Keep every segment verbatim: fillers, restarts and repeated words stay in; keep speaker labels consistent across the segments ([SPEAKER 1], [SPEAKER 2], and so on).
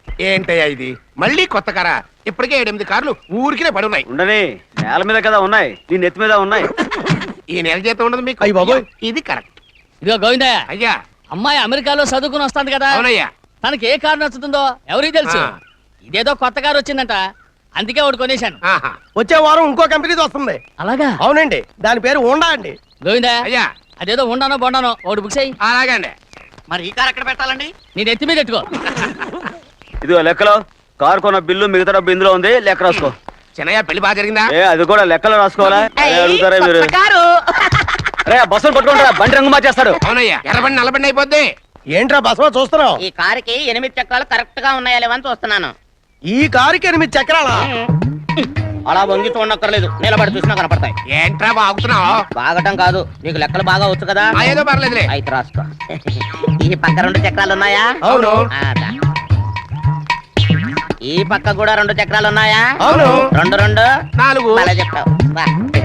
[SPEAKER 1] ఏంటయ్యా ఇది మళ్ళీ కొత్త కారా? ఇప్పటికే ఏడెనిమిది కార్లు ఊరికినే పడి ఉన్నాయి.
[SPEAKER 2] ఉండని నేల మీద కదా ఉన్నాయి, నీ నెత్తి మీద ఉన్నాయి.
[SPEAKER 1] ఈ నెల జీతం ఉండదు మీకు.
[SPEAKER 3] అయ్య బాబోయ్.
[SPEAKER 1] ఇది కరెక్ట్.
[SPEAKER 4] ఇదిగో గోవిందయ్య,
[SPEAKER 1] అయ్యా.
[SPEAKER 4] అమ్మాయి అమెరికాలో చదువుకుని వస్తాంది కదా,
[SPEAKER 1] అవునయ్యా.
[SPEAKER 4] తనకి ఏ కారు నచ్చుతుందో ఎవరికి తెలుసు.
[SPEAKER 1] ఆ.
[SPEAKER 4] ఇదేదో కొత్త కారు వచ్చిందంట, అందుకే ఒకటి కొనేశాను.
[SPEAKER 1] ఆహా.
[SPEAKER 3] వచ్చే వారం ఇంకో కంపెనీది వస్తుంది.
[SPEAKER 4] అలాగా?
[SPEAKER 3] అవునండి, దాని పేరు హోండా అండి.
[SPEAKER 4] గోవిందయ్య,
[SPEAKER 1] అయ్యా.
[SPEAKER 4] అదేదో ఉండానో బొండానో ఒకటి బుక్ చేయి.
[SPEAKER 1] అలాగే అండి.
[SPEAKER 5] మరి ఈ కార్ ఎక్కడ పెట్టాలండి?
[SPEAKER 4] నీ నెత్తి మీద పెట్టుకో.
[SPEAKER 2] ఇదిగో లెక్కలో కారు కొన్న బిల్లు మిగతా డబ్బు ఇందులో ఉంది, లెక్క రాసుకో.
[SPEAKER 1] చిన్నయ్య పెళ్లి బాగా జరిగిందా?
[SPEAKER 2] ఏ అది కూడా లెక్కలో రాసుకోవాలా? అదే అడుగుతారా మీరు?
[SPEAKER 5] కొత్త కారు.
[SPEAKER 2] రే బస్సులు పట్టుకుంటారా, బండి రంగు మార్చేస్తాడు.
[SPEAKER 1] అవునయ్యా, ఎర్రబండి నల్లబండి అయిపోద్ది.
[SPEAKER 3] ఏంట్రా బసవ చూస్తున్నావు?
[SPEAKER 5] ఈ కారుకి ఎనిమిది చక్రాలు కరెక్ట్ గా ఉన్నాయా లేవని చూస్తున్నాను.
[SPEAKER 3] ఈ కారుకి ఎనిమిది చక్రాలా?
[SPEAKER 5] అలా వంగి చూడక్కర్లేదు, నిలబడి చూసినా కనపడతాయి.
[SPEAKER 1] ఏంట్రా బాగుతున్నావు?
[SPEAKER 5] బాగటం కాదు, నీకు లెక్కలు బాగా వచ్చు కదా.
[SPEAKER 1] ఆ, ఏదో పర్లేదులే.
[SPEAKER 5] అయితే రాసుకో. ఈ పక్క రెండు చక్రాలు ఉన్నాయా?
[SPEAKER 1] అవును.
[SPEAKER 5] ఆ, దా. ఈ పక్క కూడా రెండు చక్రాలు ఉన్నాయా?
[SPEAKER 1] అవును.
[SPEAKER 5] రెండు రెండు
[SPEAKER 1] నాలుగు.
[SPEAKER 5] అలా చెప్తావు. బా.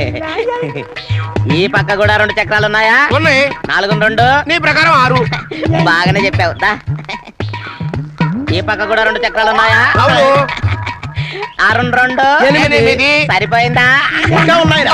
[SPEAKER 5] ఈ పక్క కూడా రెండు చక్రాలు ఉన్నాయా?
[SPEAKER 1] ఉన్నాయి.
[SPEAKER 5] నాలుగు రెండు
[SPEAKER 1] నీ ప్రకారం ఆరు.
[SPEAKER 5] బాగానే చెప్పావు. దా. ఈ పక్క కూడా రెండు చక్రాలు ఉన్నాయా?
[SPEAKER 1] అవును.
[SPEAKER 5] ఆ రెండు రెండు
[SPEAKER 1] ఎనిమిది.
[SPEAKER 5] సరిపోయిందా?
[SPEAKER 3] ఇంకా ఉన్నాయిరా.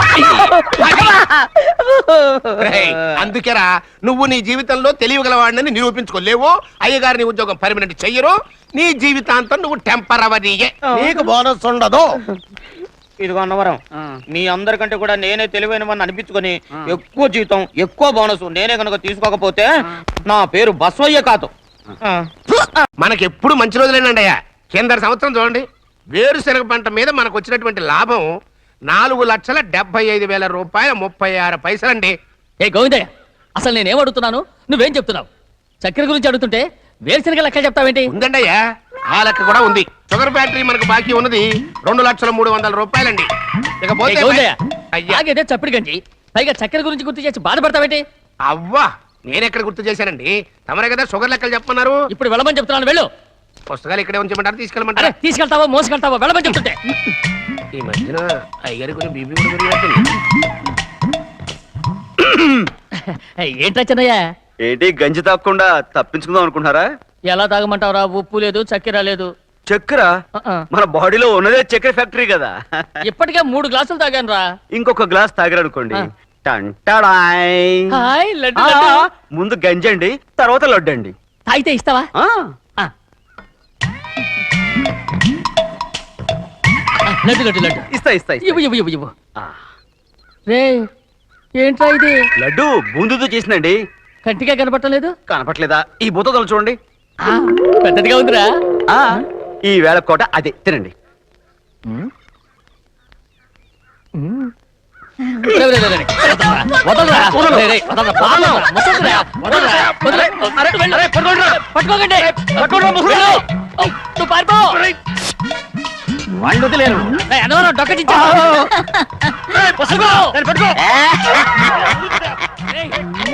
[SPEAKER 1] రేయ్, అందుకేరా నువ్వు నీ జీవితంలో తెలియగలవాడిని నిరూపించుకోలేవు. అయ్యగారి ఉద్యోగం పర్మనెంట్ చెయ్యరు. నీ జీవితాంతం నువ్వు టెంపరవరీయే.
[SPEAKER 3] నీకు బోనస్ ఉండదు.
[SPEAKER 5] ఇదిగో అన్నవరం, మీ అందరికంటే కూడా నేనే తెలివైన వాడిని అనిపించుకొని ఎక్కువ జీతం ఎక్కువ బోనస్ నేనే కనుక తీసుకోకపోతే నా పేరు బస్వయ్య కాదు.
[SPEAKER 1] మనకెప్పుడు మంచి రోజులేనండి అయ్యా. కింద సంవత్సరం చూడండి, వేరుశనగ పంట మీద మనకు వచ్చినటువంటి లాభం నాలుగు లక్షల డెబ్బై ఐదు వేల రూపాయల ముప్పై ఆరు పైసలండి.
[SPEAKER 4] ఏ గోవిందయ్య, అసలు నేనేం అడుగుతున్నాను, నువ్వేం చెప్తున్నావు? చక్కెర గురించి అడుగుతుంటే వేరుశనగ లెక్క చెప్తావేంటి?
[SPEAKER 1] ఉందండి అయ్యా, ఆ లెక్క కూడా ఉంది. షుగర్ ఫ్యాక్టరీ మనకు బాకీ ఉన్నది రెండు లక్షల మూడు వందల రూపాయలండి.
[SPEAKER 4] ఏ
[SPEAKER 1] ఇకపోతే
[SPEAKER 4] గోవిందయ్య,
[SPEAKER 1] అయ్యా,
[SPEAKER 4] ఆగేదే చప్పిడి గంజి, పైగా చక్కెర గురించి గుర్తు చేసి బాధపడతావేంటి?
[SPEAKER 1] అవ్వా, నేనెక్కడ గుర్తు చేశానండి? తమరే కదా షుగర్ లెక్కలు చెప్పమన్నారు.
[SPEAKER 4] ఇప్పుడు వెళ్ళమని చెప్తున్నాను, వెళ్ళు.
[SPEAKER 1] పుస్తకాలు ఇక్కడే ఉంచమంటారు,
[SPEAKER 4] అరే
[SPEAKER 1] తీసుకెళ్ళమంటారా?
[SPEAKER 4] తీసుకెళ్తావో మోసుకెళ్తావో వెళ్ళమని చెప్తుంటే.
[SPEAKER 1] ఈ మధ్యన అయ్యగారి కొంచెం బీపీ కూడా పెరిగినట్టుంది.
[SPEAKER 4] ఏంట్రా చిన్నయ్య,
[SPEAKER 2] ఏంటి గంజి తాగకుండా తప్పించుకుందాం అనుకుంటున్నారా?
[SPEAKER 4] ఎలా తాగమంటావురా? ఉప్పు లేదు, చక్కెర లేదు.
[SPEAKER 2] చక్కెర
[SPEAKER 4] ఆ, ఆ.
[SPEAKER 2] మన బాడీలో ఉన్నదే చక్కెర ఫ్యాక్టరీ కదా.
[SPEAKER 4] ఇప్పటికే మూడు గ్లాసులు తాగాను రా.
[SPEAKER 2] ఇంకొక గ్లాస్ తాగారనుకోండి,
[SPEAKER 4] ఆ.
[SPEAKER 2] టంటాడాయ్.
[SPEAKER 4] హాయ్ లడ్డు,
[SPEAKER 2] ఆ,
[SPEAKER 4] లడ్డు.
[SPEAKER 2] ముందు గంజండి, తర్వాత లడ్డండి.
[SPEAKER 4] తాగితే ఇస్తావా?
[SPEAKER 2] ఆ,
[SPEAKER 4] ఆ. ఆ, లడ్డు లడ్డు లడ్డు
[SPEAKER 2] ఇస్తా ఇస్తా ఇస్తా.
[SPEAKER 4] ఇవ్వు ఇవ్వు ఇవ్వు ఇవ్వు.
[SPEAKER 2] ఆ,
[SPEAKER 4] రే ఏంట్రా ఇది?
[SPEAKER 2] లడ్డు బూందుతో చేసిందండి.
[SPEAKER 4] కంటిగా కనపడలేదు.
[SPEAKER 2] కనపట్లేదా? ఈ బూతలు చూడండి.
[SPEAKER 4] పెద్దదిగా ఉందిరా.
[SPEAKER 2] ఆ, ఈ వేళ కోట అదే తినండి.
[SPEAKER 4] రే, రే, రే, రే. వదలరా, వదలరా. రే, రే, వదలరా, వదలరా, ముసలిరా, వదలరా, వదలరా. వెళ్ళు. పట్టుకోకండి. వెళ్ళు. ఓ, నువ్వు పారిపో.
[SPEAKER 2] వాళ్ళు వదిలేరు.
[SPEAKER 4] రే, అనవరం డొక్క చించా. రే, పట్టుకో. పట్టుకో. రేయ్.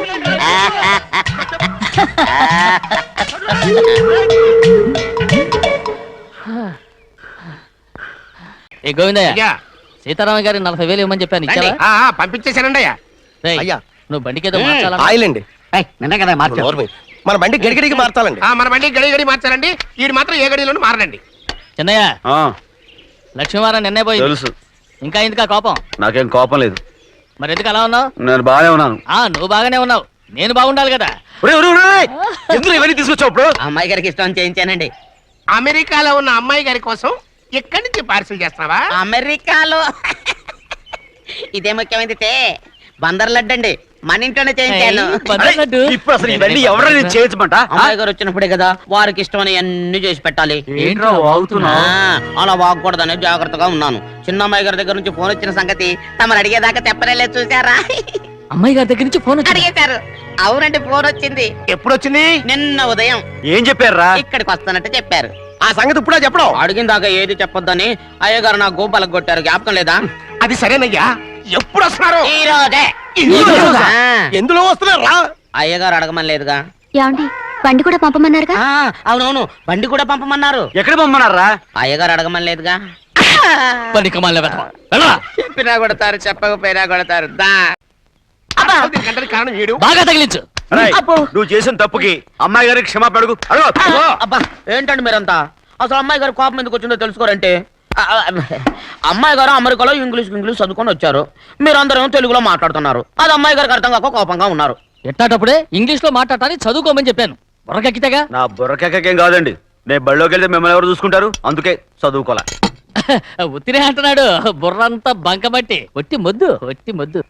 [SPEAKER 4] ఏ గోవిందయ్య,
[SPEAKER 1] అయ్యా,
[SPEAKER 4] సీతారామ గారి నలభై వేలు ఇవ్వమని చెప్పాను, ఇచ్చావా?
[SPEAKER 1] ఆ, ఆ, పంపించేశానండి అయ్యా.
[SPEAKER 4] రేయ్,
[SPEAKER 3] అయ్యా.
[SPEAKER 4] నువ్వు బండికేదో మార్చాలా?
[SPEAKER 3] ఆయిల్ అండి.
[SPEAKER 5] నిన్న కదా మార్చు.
[SPEAKER 3] నోర్మి. మన బండి గడిగడికి మార్చాలండి.
[SPEAKER 1] ఆ, మన బండి గడి గడి మార్చారండి. వీడు మాత్రం ఏ గడిలోనూ మారనండి.
[SPEAKER 4] చిన్నయ్య,
[SPEAKER 2] ఆ,
[SPEAKER 4] లక్ష్మీవారం నిన్నే పోయింది.
[SPEAKER 2] తెలుసు.
[SPEAKER 4] ఇంకా ఎందుకా కోపం?
[SPEAKER 2] నాకేం కోపం లేదు,
[SPEAKER 4] మరి ఎందుకు అలా ఉన్నావు?
[SPEAKER 2] నేను బాగానే ఉన్నాను.
[SPEAKER 4] ఆ, నువ్వు బాగానే ఉన్నావు, నేను బాగుండాలి కదా.
[SPEAKER 2] ఒరేయ్, ఒరేయ్, ఒరేయ్, ఎందుకు ఇవన్నీ తీసుకొచ్చావు ఇప్పుడు?
[SPEAKER 5] అమ్మాయి గారికి ఇష్టం చేయించానండి.
[SPEAKER 1] అమెరికాలో ఉన్న అమ్మాయి గారి కోసం ఇక్కడి నుంచి పార్సిల్ చేస్తున్నావా?
[SPEAKER 5] అమెరికాలో ఇదే ముఖ్యమైనది తే బందర్ లడ్డు అండి, మన ఇంట్లోనే చేయించాను.
[SPEAKER 4] ఏయ్, బందర్ లడ్డు.
[SPEAKER 2] ఇప్పుడు అసలు ఇవన్నీ ఎవరైనా చేయొచ్చమంట?
[SPEAKER 5] అమ్మాయి గారు వచ్చినప్పుడే కదా వారికి ఇష్టమని అన్ని చేసి పెట్టాలి.
[SPEAKER 2] ఏంట్రా వాగుతున్నా?
[SPEAKER 5] ఆ, అలా వాగకూడదని జాగ్రత్తగా ఉన్నాను. చిన్న అమ్మాయి గారి దగ్గర నుంచి ఫోన్ వచ్చిన సంగతి తమరు అడిగేదాకా చెప్పలేదు, చూసారా?
[SPEAKER 4] అమ్మాయి గారి దగ్గర నుంచి ఫోన్ వచ్చింది.
[SPEAKER 5] అడిగేశారు. అవునండి, ఫోన్ వచ్చింది
[SPEAKER 1] ఎప్పుడు వచ్చింది?
[SPEAKER 5] నిన్న ఉదయం.
[SPEAKER 2] ఏం చెప్పారా?
[SPEAKER 5] ఇక్కడికి వస్తానంటే చెప్పారు.
[SPEAKER 3] ఆ సంగతి ఇప్పుడే చెప్పడం.
[SPEAKER 5] అడిగిన దాకా ఏది చెప్పొద్దని అయ్యగారు నా గోపాలకు కొట్టారు, జ్ఞాపకం లేదా?
[SPEAKER 1] అది సరేనయ్యా, ఎప్పుడు వస్తున్నారు?
[SPEAKER 5] ఈ రోజే.
[SPEAKER 1] ఈ రోజా?
[SPEAKER 5] ఆ,
[SPEAKER 3] ఎందులో వస్తున్నారా?
[SPEAKER 5] అయ్యగారు అడగమని లేదుగా.
[SPEAKER 6] ఏమండి, బండి కూడా పంపమన్నారుగా?
[SPEAKER 5] ఆ, అవునవును, బండి కూడా పంపమన్నారు.
[SPEAKER 2] ఎక్కడ పొమ్మన్నారా?
[SPEAKER 5] అయ్యగారు అడగమని లేదుగా.
[SPEAKER 4] పని కమాలి వెళ్ళరా.
[SPEAKER 5] చెప్పినా కొడతారు, చెప్పకపోయినా కొడతారు. దా.
[SPEAKER 1] దీనికంటే కారణం వీడు.
[SPEAKER 4] బాగా తగిలించు.
[SPEAKER 2] రేయ్, నువ్వు చేసిన తప్పుకి అమ్మాయి గారికి క్షమాపణ అడుగు. అడుగు.
[SPEAKER 5] అబ్బా, ఏంటండి మీరంతా? అసలు అమ్మాయి గారు కోపం ఎందుకు వచ్చిందో తెలుసుకోరంటే ఆ, ఆ, అమ్మాయి గారు అమెరికాలో ఇంగ్లీష్ ఇంగ్లీష్ చదువుకొని వచ్చారు, మీరందరూ తెలుగులో మాట్లాడుతున్నారు. అది అమ్మాయి గారికి అర్థం కాక కోపంగా ఉన్నారు.
[SPEAKER 4] ఎట్టాటప్పుడే ఇంగ్లీష్ లో మాట్లాడటానికి చదువుకోమని చెప్పాను. బుర్రకెక్కితేగా.
[SPEAKER 2] నా బుర్రకేకేం కాదండి, నేను బళ్ళోకి వెళ్తే మిమ్మల్ని ఎవరు చూసుకుంటారు, అందుకే చదువుకోలే.
[SPEAKER 4] ఉత్తినే అంటున్నాడు. బుర్రంతా బంకబట్టి ఒట్టి మొద్దు ఒట్టి మొద్దు.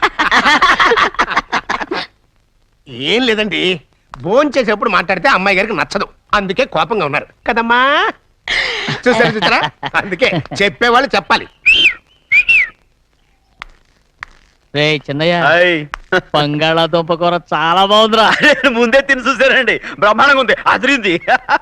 [SPEAKER 1] ఏం లేదండి, భోంచేసేప్పుడు మాట్లాడితే అమ్మాయి గారికి నచ్చదు, అందుకే కోపంగా ఉన్నారు కదమ్మా. చూసారు చూసారా, అందుకే చెప్పేవాళ్ళు చెప్పాలి.
[SPEAKER 4] రే చిన్నయ్య,
[SPEAKER 2] హాయ్.
[SPEAKER 4] బంగాళాదుంప కూర చాలా బాగుందిరా.
[SPEAKER 2] నేను ముందే తిని చూసానండి, బ్రహ్మాండంగా ఉంది, అదిరింది.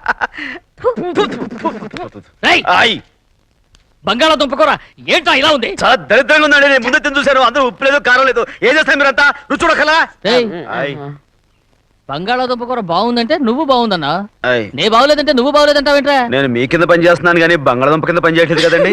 [SPEAKER 4] రేయ్,
[SPEAKER 2] హాయ్.
[SPEAKER 4] బంగాళాదుంప కూర ఏంట్రా ఇలా ఉంది?
[SPEAKER 2] చాలా దరిద్రంగా ఉందండి, నేను ముందే తిని చూశాను, అందరూ ఉప్పు లేదు కారం లేదు. ఏం చేస్తారు మీరంతా, రుచి చూడకలా?
[SPEAKER 4] రేయ్,
[SPEAKER 2] హాయ్.
[SPEAKER 4] బంగాళాదుంప కూర బాగుందంటే నువ్వు బాగుందన్నా,
[SPEAKER 2] హాయ్.
[SPEAKER 4] నే బాగులేదంటే నువ్వు బాగులేదంటావేంట్రా?
[SPEAKER 2] నేను మీ కింద పని చేస్తున్నాను కానీ బంగాళదుంప కింద పని చేయట్లేదు కదండి.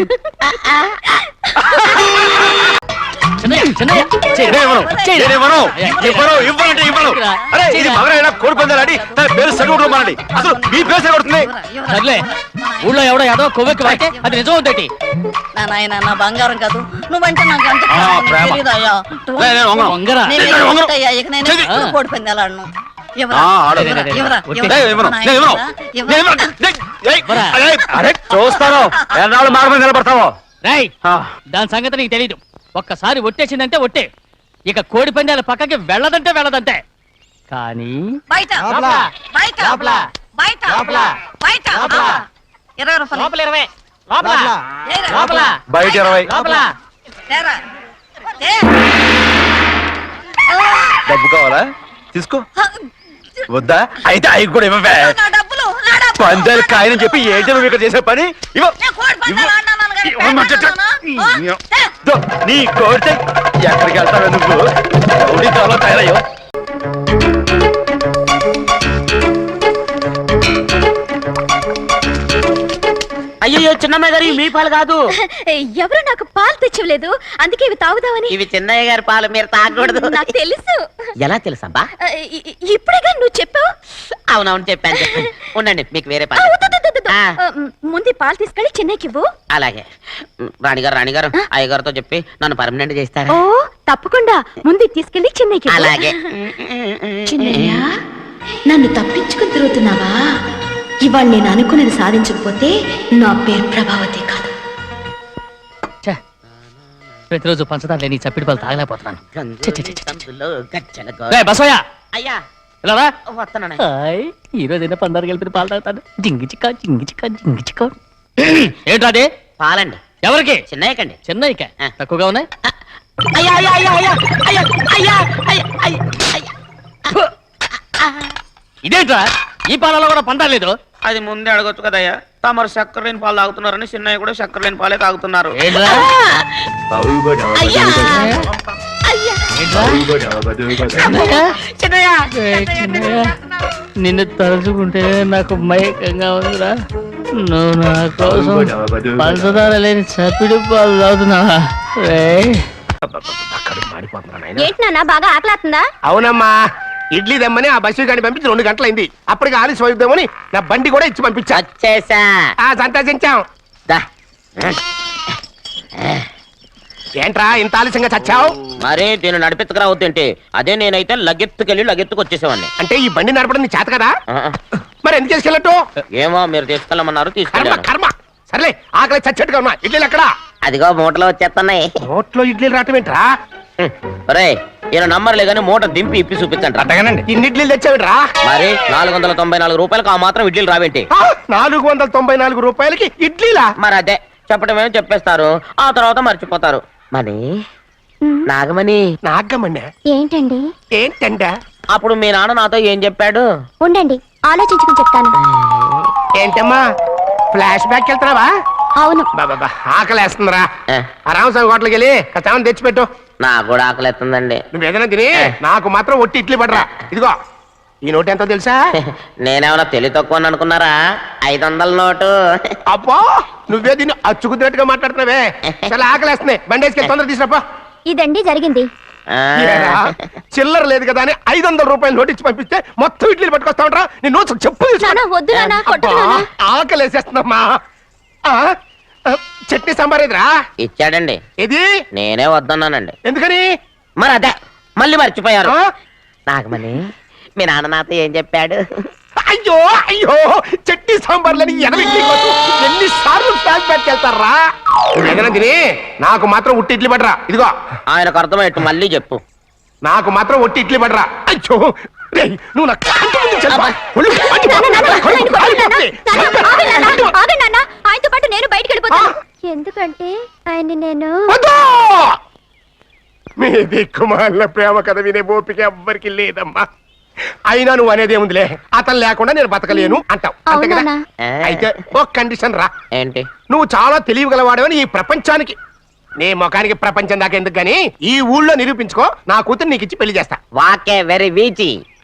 [SPEAKER 4] చిన్నయ్య, చిన్నయ్య, చెయ్.
[SPEAKER 2] నేను ఇవ్వను,
[SPEAKER 4] చెయ్.
[SPEAKER 2] నేను ఇవ్వను,
[SPEAKER 4] అయ్యా,
[SPEAKER 2] ఇవ్వను, ఇవ్వనంటే ఇవ్వను. అరే ఇది మగరైనా కోడి పందాలని తన పేరు సరిగుడు మానండి, అసలు మీ పేరు సరిగొడుతుంది.
[SPEAKER 4] సర్లే, ఊళ్ళో ఎవడో ఏదో కొవ్వెక్కి వాడితే అది నిజం ఉందటి.
[SPEAKER 7] నా నాయన నా బంగారం కాదు, నువ్వంటే నాకు అంత
[SPEAKER 2] ఆ,
[SPEAKER 7] ప్రాణం,
[SPEAKER 2] ప్రేమ.
[SPEAKER 7] తెలీదయ్యా.
[SPEAKER 2] లే, నేను వంగను.
[SPEAKER 4] వంగరా.
[SPEAKER 7] నేను
[SPEAKER 2] నేను వంగను.
[SPEAKER 7] ఎక్కడయ్యా, ఇక నేను
[SPEAKER 2] చెయ్యి.
[SPEAKER 7] ఎప్పుడు కోడి పందాలాడను. ఎవరా?
[SPEAKER 2] ఆ, ఆడు.
[SPEAKER 7] ఎవరా?
[SPEAKER 4] లే, లే, లే,
[SPEAKER 7] ఎవరా?
[SPEAKER 4] లే,
[SPEAKER 7] ఎవరా?
[SPEAKER 2] నేను ఇవ్వను,
[SPEAKER 7] నా
[SPEAKER 2] నేను ఇవ్వను,
[SPEAKER 7] ఎవరా?
[SPEAKER 2] నేను ఇవ్వను. ఏయ్,
[SPEAKER 4] ఎవరా?
[SPEAKER 2] అరే, అరే చూస్తాను ఎన్నాళ్ళు మార్గం నిలబడతావో.
[SPEAKER 4] రేయ్,
[SPEAKER 2] ఆ,
[SPEAKER 4] దాని సంగతి నీకు తెలీదు. ఒక్కసారి ఒట్టేసిందంటే ఒట్టే, ఇక కోడి పందాల పక్కకి వెళ్ళదంటే వెళ్ళదంటే. కానీ
[SPEAKER 7] బయట
[SPEAKER 4] లోపల.
[SPEAKER 7] బయట
[SPEAKER 4] లోపల.
[SPEAKER 7] బయట
[SPEAKER 4] లోపల.
[SPEAKER 7] బయట
[SPEAKER 4] లోపల.
[SPEAKER 7] ఇరవై రూపాయలు
[SPEAKER 4] లోపల ఇరవై, లోపల
[SPEAKER 7] ఏరా?
[SPEAKER 4] లోపల
[SPEAKER 2] బయట ఇరవై.
[SPEAKER 4] లోపల.
[SPEAKER 7] తేరా. తే.
[SPEAKER 2] డబ్బు కావాలా, తీసుకో. వద్దా అయితే అవి కూడా ఇవ్వవే.
[SPEAKER 7] నా డబ్బులు నా డబ్బులు.
[SPEAKER 2] పందాలు కాయని చెప్పి ఏంటి నువ్వు ఇక్కడ చేసే పని? ఇవ్వ.
[SPEAKER 7] నేను కోడి పందాలు ఆడినాను కానీ
[SPEAKER 2] ఇవ్వమంటే
[SPEAKER 7] పెట్టాను. ఆ, తే.
[SPEAKER 2] దో, నీ కోరితే ఎక్కడికి వెళ్తావే నువ్వు? రౌడీ కావాలో తయారయ్యో.
[SPEAKER 5] అయ్యో చిన్నమ్మాయి గారు మీ పాలు కాదు,
[SPEAKER 6] ఎవరు నాకు పాలు తెచ్చివ్వలేదు, అందుకే ఇవి తాగుదామని.
[SPEAKER 5] ఇవి చిన్నయ్య గారి పాలు, మీరు తాగకూడదు.
[SPEAKER 6] నాకు తెలుసు.
[SPEAKER 5] ఎలా తెలుసబ్బా?
[SPEAKER 6] ఇ- ఇ- ఇప్పుడేగా నువ్వు చెప్పావు.
[SPEAKER 5] అవునవును చెప్పాను చెప్పాను. ఉండండి మీకు వేరే
[SPEAKER 6] ఆ,
[SPEAKER 5] పాలు.
[SPEAKER 6] వద్దు, వద్దు, వద్దు.
[SPEAKER 5] ఆ.
[SPEAKER 6] ఆ, ముందు ఈ పాలు తీసుకెళ్ళి చెన్నైకి ఇవ్వు.
[SPEAKER 5] అలాగే. రాణిగారు రాణిగారు అయ్యగారితో చెప్పి నన్ను పర్మనెంట్ చేస్తారా?
[SPEAKER 6] ఓ తప్పకుండా, ముందు ఇది తీసుకెళ్ళి చెన్నైకి ఇవ్వు.
[SPEAKER 5] అలాగే.
[SPEAKER 6] చిన్నయ్య, నన్ను తప్పించుకుని తిరుగుతున్నావా? ఇవాళ నేను అనుకున్నది సాధించకపోతే నా పేరు ప్రభావతి కాదు.
[SPEAKER 4] ఛే, ప్రతిరోజు పంచదార లేని చప్పిడి పాలు తాగలేకపోతున్నాను. ఛే, ఛే, ఛే, ఛే.
[SPEAKER 5] సందులో గజ్జల గో-
[SPEAKER 4] రేయ్, బసవయ్య,
[SPEAKER 5] అయ్యా
[SPEAKER 4] ఇలా రా.
[SPEAKER 5] వస్తున్నాను.
[SPEAKER 4] హాయ్, ఈ రోజైనా పందారు కలిపిన పాలు తాగుతాను. జింగి చిక్క జింగి చిక్క జింగి చిక్క. ఏంట్రా అది?
[SPEAKER 5] పాలండి.
[SPEAKER 4] ఎవరికి?
[SPEAKER 5] చిన్నయ్యకండి.
[SPEAKER 4] చెన్నైక
[SPEAKER 5] ఆ.
[SPEAKER 4] తక్కువగా ఉన్నాయి.
[SPEAKER 5] అయ్యా అయ్యా అయ్యా అయ్యా అయ్యా అయ్యా అయ్యా అయ్యా అయ్యా.
[SPEAKER 4] ఇదేంట్రా, ఈ పాలలో కూడా పందా లేదు.
[SPEAKER 5] అది ముందే అడగొచ్చు కదయ్యా. తమరు చక్కెర లేని పాలు తాగుతున్నారని చిన్నయ్య కూడా చక్కెర లేని పాలే తాగుతున్నారు.
[SPEAKER 4] ఏంట్రా?
[SPEAKER 7] అయ్యా
[SPEAKER 6] అయ్యా,
[SPEAKER 4] ఏంట్రా?
[SPEAKER 5] చిన్నయ్య
[SPEAKER 4] ఏయ్, చిన్నయ్య, నిన్ను తలుచుకుంటే నాకు మైకంగా ఉందిరా. నువ్వు నా కోసం పంచదార లేని చప్పిడి పాలు తాగుతున్నావా? రేయ్,
[SPEAKER 6] ఏంటి నాన్న బాగా ఆకలాతుందా?
[SPEAKER 1] అవునమ్మా, ఇడ్లీ దమ్మని ఆ బస్సు గాని పంపించి రెండు గంటలైంది, అప్పటికి ఆలస్యం అవుతామని నా బండి కూడా ఇచ్చి పంపించా.
[SPEAKER 5] వచ్చేసా.
[SPEAKER 1] ఆ సంతోషించాం.
[SPEAKER 5] దా.
[SPEAKER 1] ఏంట్రా ఇంత ఆలస్యంగా చచ్చావు?
[SPEAKER 5] మరి దీన్ని నడిపెత్తుకురావద్దేంటి? అదే నేనైతే లగెత్తుకెళ్ళి లగెత్తుకు వచ్చేసేవాడిని.
[SPEAKER 1] అంటే ఈ బండి నడపడం నీ చేత కదా,
[SPEAKER 5] ఆ,
[SPEAKER 1] మరి ఎందుకు చేసుకెళ్ళట్టు?
[SPEAKER 5] ఏమో మీరు తీసుకెళ్ళమన్నారు
[SPEAKER 1] కర్మ
[SPEAKER 5] తీసుకెళ్ళాను.
[SPEAKER 1] కర్మ. సర్లే, ఆకలి చచ్చట్టుగా ఉన్నా, ఇడ్లీలు ఎక్కడా?
[SPEAKER 5] అదిగో మూటలో వచ్చేస్తున్నాయి.
[SPEAKER 1] నోట్లో ఇడ్లీలు రావటం ఏంట్రా?
[SPEAKER 5] రే ఈయన నంబర్లే కానీ మూట దింపి ఇప్పి చూపించండి.
[SPEAKER 1] అట్టగానండి, ఇన్ని ఇడ్లీలు తెచ్చావిడ్రా?
[SPEAKER 5] మరి నాలుగు వందల తొంభై నాలుగు రూపాయలకు ఆ మాత్రం ఇడ్లీలు రావేంటి?
[SPEAKER 1] ఆ, నాలుగు వందల తొంభై నాలుగు రూపాయలకి ఇడ్లీలా?
[SPEAKER 5] మరి అదే చెప్పడమేమో చెప్పేస్తారు, ఆ తర్వాత మర్చిపోతారు. మరి నాగమణి,
[SPEAKER 1] నాగమ్మన్నా
[SPEAKER 6] ఏంటండి?
[SPEAKER 1] ఏంటంట?
[SPEAKER 5] అప్పుడు మీ నాన్న నాతో ఏం చెప్పాడు?
[SPEAKER 6] ఉండండి, ఆలోచించుకుని చెప్తాను.
[SPEAKER 1] ఏంటమ్మా, ఫ్లాష్ బ్యాక్ వెళ్తున్నావా?
[SPEAKER 6] అవును.
[SPEAKER 1] బాబా ఆకలేస్తుందిరా.
[SPEAKER 5] ఏ,
[SPEAKER 1] ఆ రామస్వామి హోటల్కి వెళ్ళి కచ్చామని తెచ్చిపెట్టు.
[SPEAKER 5] నాకు కూడా ఆకలిస్తుందండి.
[SPEAKER 1] నువ్వు ఏదైనా తిని నాకు మాత్రం ఒట్టి ఇడ్లీ పడరా. ఇదిగో ఈ నోటు ఎంతో తెలుసా?
[SPEAKER 5] నేనేమన్నా తెలివి తక్కువ అనుకున్నారా? ఐదు వందల నోటు.
[SPEAKER 1] అబ్బో, నువ్వే దీన్ని అచ్చుకుతున్నట్టుగా మాట్లాడుతున్నావే. చాలా ఆకలేస్తున్నాయి, బండి వేసుకెళ్ళి తొందర తీసుకురాపో.
[SPEAKER 6] ఇదండి జరిగింది.
[SPEAKER 5] ఆ.
[SPEAKER 1] ఏరా, చిల్లర లేదు కదా అని ఐదు వందల రూపాయలు నోటిచ్చి పంపిస్తే మొత్తం ఇడ్లీలు పట్టుకొస్తా ఉంటా నీ నోట్స్ చెప్పు తీసుకో.
[SPEAKER 6] నానా వద్దు నానా కొట్టకు
[SPEAKER 1] అబ్బా,
[SPEAKER 6] నానా
[SPEAKER 1] ఆకలి వేసేస్తుందమ్మా ఆ, ఆ, చట్నీ సాంబార్ ఎదురా
[SPEAKER 5] ఇచ్చాడండి
[SPEAKER 1] ఇది
[SPEAKER 5] నేనే వద్దన్నానండి.
[SPEAKER 1] ఎందుకని
[SPEAKER 5] మరి అదే మళ్ళీ మర్చిపోయారు.
[SPEAKER 1] ఆ?
[SPEAKER 5] నాగమణి మీ నాన్న నాతో ఏం చెప్పాడు?
[SPEAKER 1] అయ్యో అయ్యో చట్నీ సాంబార్లని ఎనభై ఎన్ని సార్లు ప్యాక్ పెట్టుకెళ్తారా ఏదైనా తిని నాకు మాత్రం ఉట్టి ఇడ్లీ పడరా ఇదిగో
[SPEAKER 5] ఆయనకు అర్థమయ్యట్టు మళ్ళీ చెప్పు.
[SPEAKER 1] నాకు మాత్రం ఒట్టి ఇడ్లీ పడరా అయ్యో రేయ్, నువ్వు నా కంటి ముందు చల్పా. ఒళ్ళు మండి
[SPEAKER 6] నానా, నానా,
[SPEAKER 1] పోతుంది.
[SPEAKER 6] ఆయన కొట్టకు నానా. నానా, ఆగండి నానా, ఆగండి నానా. ఆయనతో పాటు నేను బయటికి వెళ్ళిపోతాను ఎందుకంటే ఆయన్ని నేను
[SPEAKER 1] వద్దు! మీ దిక్కుమాల ప్రేమ కథ వినే ఓపిక ఎవ్వరికి లేదమ్మా. అయినా నువ్వు అనేది ఏముందిలే, అతను లేకుండా నేను బతకలేను అంటావు అంతే కదా.
[SPEAKER 6] అవునా?
[SPEAKER 1] అయితే ఒక కండిషన్ రా,
[SPEAKER 5] ఏంటి?
[SPEAKER 1] నువ్వు చాలా తెలియగలవాడవని ఈ ప్రపంచానికి, నీ ముఖానికి ప్రపంచం దాకా ఎందుకు గాని ఈ ఊళ్ళో నిరూపించుకో, నా కూతురు నీకు ఇచ్చి పెళ్లి చేస్తా.
[SPEAKER 5] వాకే వెరీ వీచి.